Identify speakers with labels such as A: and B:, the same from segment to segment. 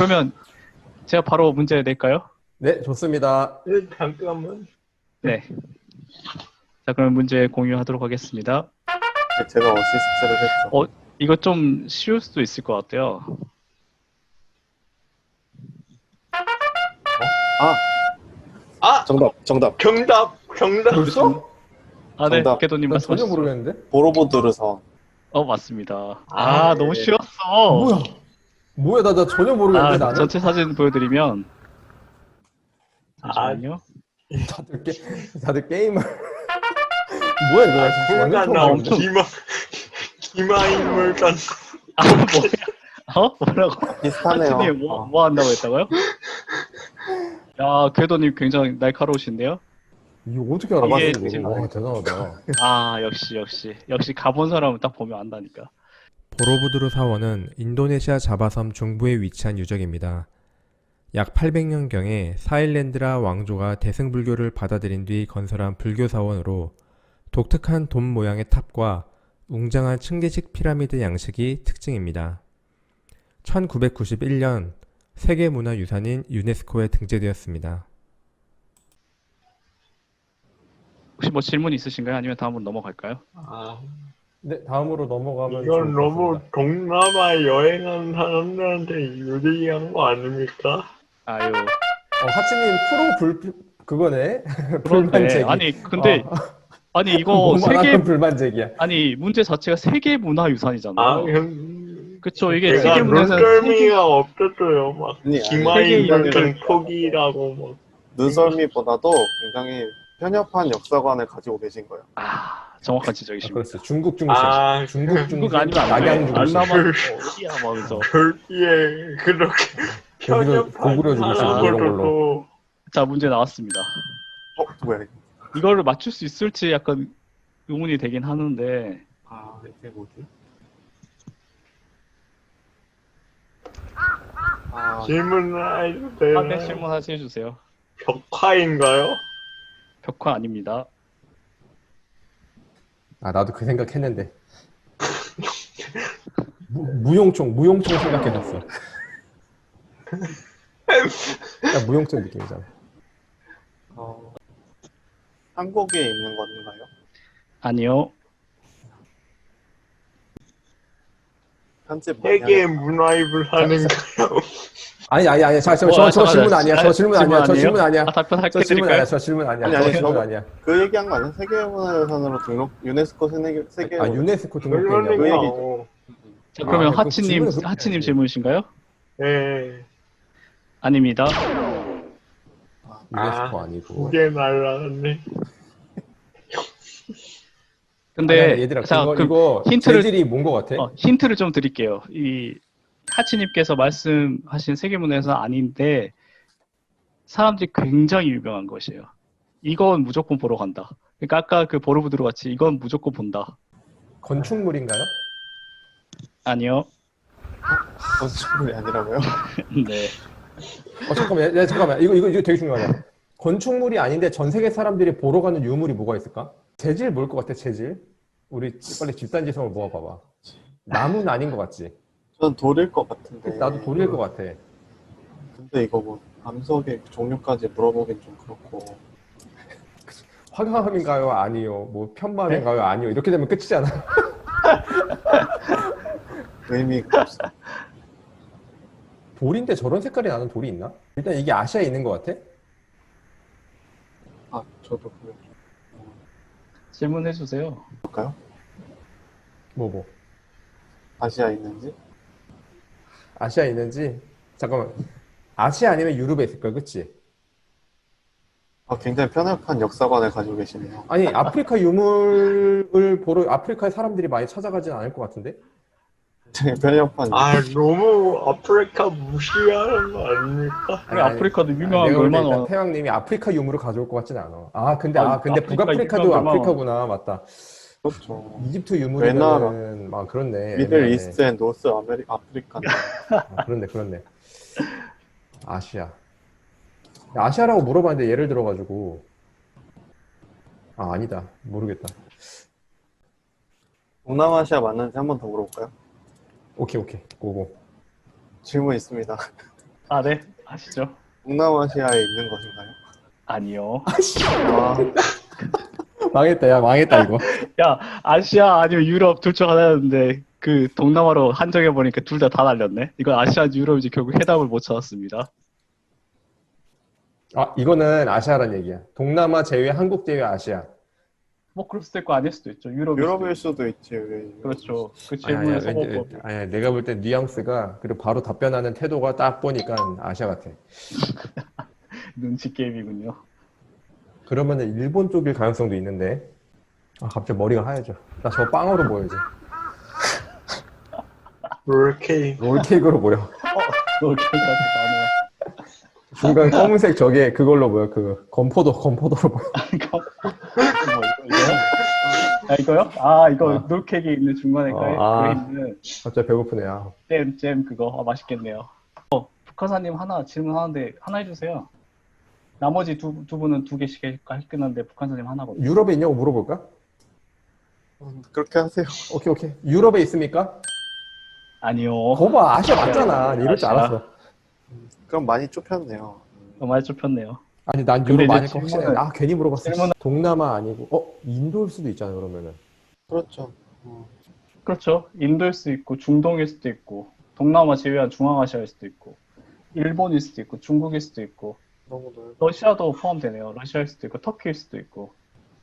A: 그러면 제가 바로 문제 낼까요?
B: 네, 좋습니다.
C: 네, 잠깐만.
A: 네. 자, 그럼 문제 공유하도록 하겠습니다.
D: 네, 제가 어시스트를 했죠.
A: 이거 좀 쉬울 수도 있을 것 같아요.
C: 아,
D: 정답.
C: 정답.
B: 벌써?
A: 아, 네.
D: 정답.
A: 궤도님
B: 난 전혀
A: 말씀하시죠.
B: 모르겠는데?
D: 보로보드르선.
A: 맞습니다.
C: 아,
A: 너무
C: 네.
A: 쉬웠어.
B: 뭐야, 나 전혀 모르겠는데, 나는?
A: 전체 사진 보여드리면.
C: 아.
A: 잠시만요.
B: 다들 게임을. 뭐야, 이거. 나 진짜 완전
C: 불가
B: 처음
C: 나온
B: 보는데?
C: 기마인물단.
A: 뭐야? 뭐라고?
D: 비슷하네요.
A: 하트님 뭐 한다고 했다고요? 야, 궤도님 굉장히 날카로우신데요?
B: 이거 어떻게 알아봤어,
A: 이게
B: 이거? 와, 대단하다.
A: 역시 가본 사람은 딱 보면 안다니까.
E: 보로부두르 사원은 인도네시아 자바섬 중부에 위치한 유적입니다. 약 800년경에 사일랜드라 왕조가 대승불교를 받아들인 뒤 건설한 불교 사원으로 독특한 돔 모양의 탑과 웅장한 층계식 피라미드 양식이 특징입니다. 1991년 세계문화유산인 유네스코에 등재되었습니다.
A: 혹시 뭐 질문 있으신가요? 아니면 다음으로 넘어갈까요?
C: 아,
B: 네, 다음으로 넘어가면.
C: 이건
B: 좋을 것
C: 너무
B: 같습니다.
C: 동남아 여행한 사람들한테 유리한 거 아닙니까?
A: 아유,
B: 하치님 그거네?
A: 그런데
B: 불만제기.
A: 아니 근데 아니 이거
B: 뭐만
A: 세계
B: 하면 불만제기야.
A: 아니 문제 자체가 세계 문화 유산이잖아요.
C: 아,
A: 그쵸, 이게
C: 제가
A: 세계 문화유산
C: 눈썰미가 없었어요. 막
D: 아니,
C: 기마인물단 포기라고 막.
D: 눈썰미보다도 굉장히 편협한 역사관을 가지고 계신 거예요.
A: 정확한 지적이십니다.
B: 그렇지. 중국 중심.
C: 아,
B: 중국 중심.
A: 중국 아니면 안 돼.
B: 낙양 중심.
A: 동남아 어디야 막 하면서.
C: 절기에 그렇게 편협한
B: 고구려 중심 이런 걸로.
C: 사람으로도
A: 자, 문제 나왔습니다.
D: 뭐야 이거?
A: 이거를 맞출 수 있을지 약간 의문이 되긴 하는데.
D: 이게 뭐지?
C: 질문을 해주세요.
A: 네, 질문하시 해주세요.
C: 벽화인가요?
A: 벽화 아닙니다.
B: 나도 그 생각했는데. 무용총 생각해봤어. 딱 무용총 느낌이잖아.
D: 한국에 있는 건가요?
A: 아니요.
D: 편집 많이
C: 세계
D: 하겠다.
C: 문화입을 하는가요?
B: 아니. 저 질문 아니야. 저 질문 아니야. 저 질문 아니야.
A: 답변
B: 저 질문
A: 할게드릴까요?
B: 아니야. 저 질문 아니야.
D: 아니,
B: 저
D: 아니,
B: 질문
D: 저거-
B: 아니야.
D: 그 얘기한 거 아니야? 세계문화유산으로 등록 유네스코 세계
B: 유네스코 등록돼
D: 그
B: 있냐고?
D: 얘기죠.
A: 자, 그러면
B: 그럼 질문을 그렇게
A: 하치님
B: 해야지.
A: 질문이신가요?
C: 네,
A: 아닙니다.
B: 유네스코 아니고.
C: 두개 날라갔네.
A: 근데
B: 아니, 얘들아,
A: 자, 그럼
B: 이거 재질이 뭔 거 같아?
A: 힌트를 좀 드릴게요. 이 하치님께서 말씀하신 세계문화유산 아닌데 사람들이 굉장히 유명한 것이에요. 이건 무조건 보러 간다. 그러니까 아까 그 보르부드로 같이 이건 무조건 본다.
B: 건축물인가요?
A: 아니요.
D: 건축물이 아니라고요?
A: 네.
B: 잠깐만. 이거 되게 중요하다. 건축물이 아닌데 전 세계 사람들이 보러 가는 유물이 뭐가 있을까? 재질 뭘 것 같아, 재질? 우리 빨리 집단지성을 모아봐봐. 나무는 아닌 것 같지?
D: 전 돌일 것 같은데.
B: 나도 돌일 것 같아.
D: 근데 이거 뭐 암석의 종류까지 물어보긴 좀 그렇고.
B: 화강암인가요? 아니요. 뭐 편마음인가요? 아니요. 이렇게 되면 끝이잖아.
D: 의미가 없어.
B: 돌인데 저런 색깔이 나는 돌이 있나? 일단 이게 아시아에 있는 것 같아?
D: 저도 그래.
A: 질문해 주세요.
D: 볼까요?
B: 뭐.
D: 아시아에 있는지?
B: 아시아에 있는지? 잠깐만. 아시아 아니면 유럽에 있을 거야, 그치?
D: 굉장히 편협한 역사관을 가지고 계시네요.
B: 아니, 아프리카 유물을 보러 아프리카에 사람들이 많이 찾아가진 않을 것 같은데?
D: 굉장히 편협한.
C: 너무 아프리카 무시하는 거 아닙니까?
A: 아니, 아프리카도 유명한 게
B: 내가 볼 때
A: 얼마나
B: 일단
A: 많아.
B: 태양님이 아프리카 유물을 가져올 것 같진 않아. 근데
A: 아프리카
B: 북아프리카도
A: 유명한 게
B: 아프리카구나. 맞다.
D: 그렇죠.
B: 이집트
D: 왜냐하면
B: 유물이면은 그렇네.
D: 미들
B: 애매하네.
D: 이스트 앤 노스 아프리카.
B: 그렇네. 아시아. 아시아라고 물어봤는데 예를 들어가지고 아니다. 모르겠다.
D: 동남아시아 맞는지 한 번 더 물어볼까요?
B: 오케이. 고고.
D: 질문 있습니다.
A: 아, 네. 아시죠?
D: 동남아시아에 있는 것인가요?
A: 아니요.
D: 아,
B: 망했다, 야, 망했다, 이거.
A: 야, 아시아 아니면 유럽 둘 중 하나였는데 그 동남아로 한정해 보니까 둘 다 날렸네. 이건 아시아 유럽이지 결국 해답을 못 찾았습니다.
B: 아, 이거는 아시아란 얘기야. 동남아 제외, 한국 제외 아시아.
A: 뭐 그럴 수도 있고 아닐 수도 있죠.
D: 유럽일 수도 있지. 왜?
A: 그렇죠. 그
B: 아니야,
A: 질문의 소모법.
B: 아니야, 내가 볼 땐 뉘앙스가, 그리고 바로 답변하는 태도가 딱 보니까 아시아 같아.
A: 눈치 게임이군요.
B: 그러면은 일본 쪽일 가능성도 있는데. 아, 갑자기 머리가 하얘져. 나 저 빵으로 보여야지.
C: 롤케이크.
B: 롤케이크로 보여.
A: 그렇게까지 나네요.
B: 중간 검은색 저게 그걸로 보여. 그 건포도로 보여.
A: 이거 이거요? 아, 이거요? 아, 이거
B: 아.
A: 롤케이크 있는 중간에
B: 아.
A: 있는
B: 갑자기 배고프네. 아.
A: 잼 그거. 아, 맛있겠네요. 북한사님 하나 질문하는데 하나 해주세요. 나머지 두 분은 두 개씩 할 끝났는데 북한사님 하나거든요.
B: 유럽에 있냐고 물어볼까?
D: 그렇게 하세요.
B: 오케이. 유럽에 있습니까?
A: 아니요.
B: 거봐, 아시아 맞잖아. 이럴 줄
A: 아시아.
B: 알았어.
D: 그럼 많이 좁혔네요.
A: 많이 좁혔네요.
B: 아니, 난
A: 근데
B: 유럽
A: 이제
B: 아니까 확실해.
A: 질문은-
B: 아, 괜히 물어봤어.
A: 질문은-
B: 동남아 아니고, 인도일 수도 있잖아, 그러면은.
D: 그렇죠.
A: 그렇죠. 인도일 수도 있고 중동일 수도 있고 동남아 제외한 중앙아시아일 수도 있고 일본일 수도 있고 중국일 수도 있고
D: 너무 넓어.
A: 러시아도 포함되네요. 러시아일 수도 있고 터키일 수도 있고.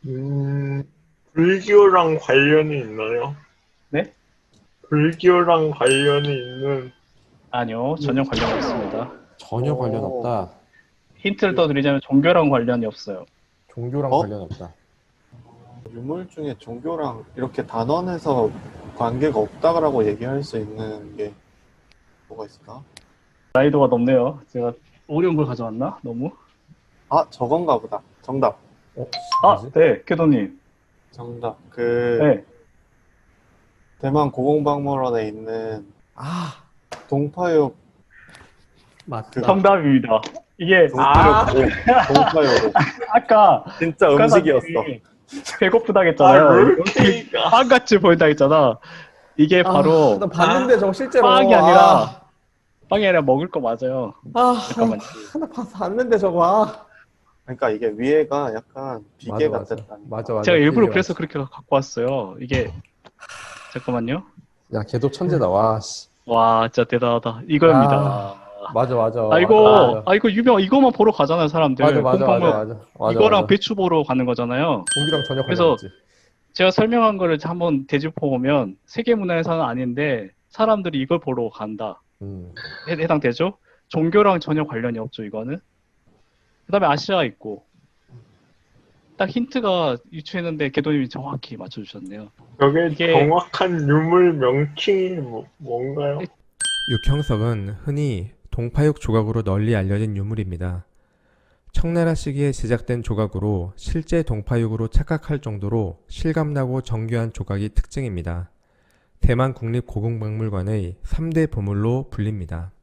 C: 불교랑 관련이 있나요?
A: 네?
C: 불교랑 관련이 있는
A: 아니요. 전혀 관련 없습니다.
B: 전혀
D: 오.
B: 관련 없다.
A: 힌트를 더 드리자면 종교랑 관련이 없어요.
B: 종교랑
D: 어?
B: 관련 없다.
D: 유물 중에 종교랑 이렇게 단원에서 관계가 없다라고 얘기할 수 있는 게 뭐가 있을까?
A: 난이도가 높네요. 제가 어려운 걸 가져왔나? 너무?
D: 아, 저건가 보다. 정답.
A: 아,
B: 뭐지?
A: 네. 캐도님.
D: 정답.
A: 네.
D: 대만 고궁박물원에 있는
B: 아,
D: 동파육
B: 맞다.
A: 정답입니다. 이게
D: 동파육으로.
A: 아까
D: 진짜
A: 북한사님이
D: 음식이었어.
A: 배고프다
C: 아,
A: 했잖아요.
C: 롤케이크.
A: 빵같이 보인다 했잖아. 이게 바로
B: 나 봤는데 저거 실제로.
A: 빵이 아니라 빵이 아니라 먹을 거 맞아요. 잠깐만요.
B: 나 봤는데 저거. 아.
D: 그러니까 이게 위에가 약간 비계
B: 맞아.
D: 같았다.
B: 맞아.
A: 제가 일부러
B: 그게
A: 그래서 그렇게 갖고 왔어요. 이게 잠깐만요.
B: 맞아. 야, 걔도 천재다. 와, 씨.
A: 와, 진짜 대단하다. 이거입니다.
B: 맞아.
A: 이거 유명 이거만 보러 가잖아요, 사람들.
B: 맞아.
A: 이거랑 배추 보러 가는 거잖아요.
B: 종교랑 전혀 관련
A: 그래서
B: 없지.
A: 제가 설명한 거를 한번 되짚어 보면 세계문화유산은 아닌데 사람들이 이걸 보러 간다. 해당되죠? 종교랑 전혀 관련이 없죠, 이거는. 그다음에 아시아 있고. 딱 힌트가 유추했는데 개도님이 정확히 맞춰주셨네요.
C: 저게
A: 이게-
C: 정확한 유물 명칭이 뭔가요?
E: 육형석은 흔히 동파육 조각으로 널리 알려진 유물입니다. 청나라 시기에 제작된 조각으로 실제 동파육으로 착각할 정도로 실감나고 정교한 조각이 특징입니다. 대만 국립고궁박물관의 3대 보물로 불립니다.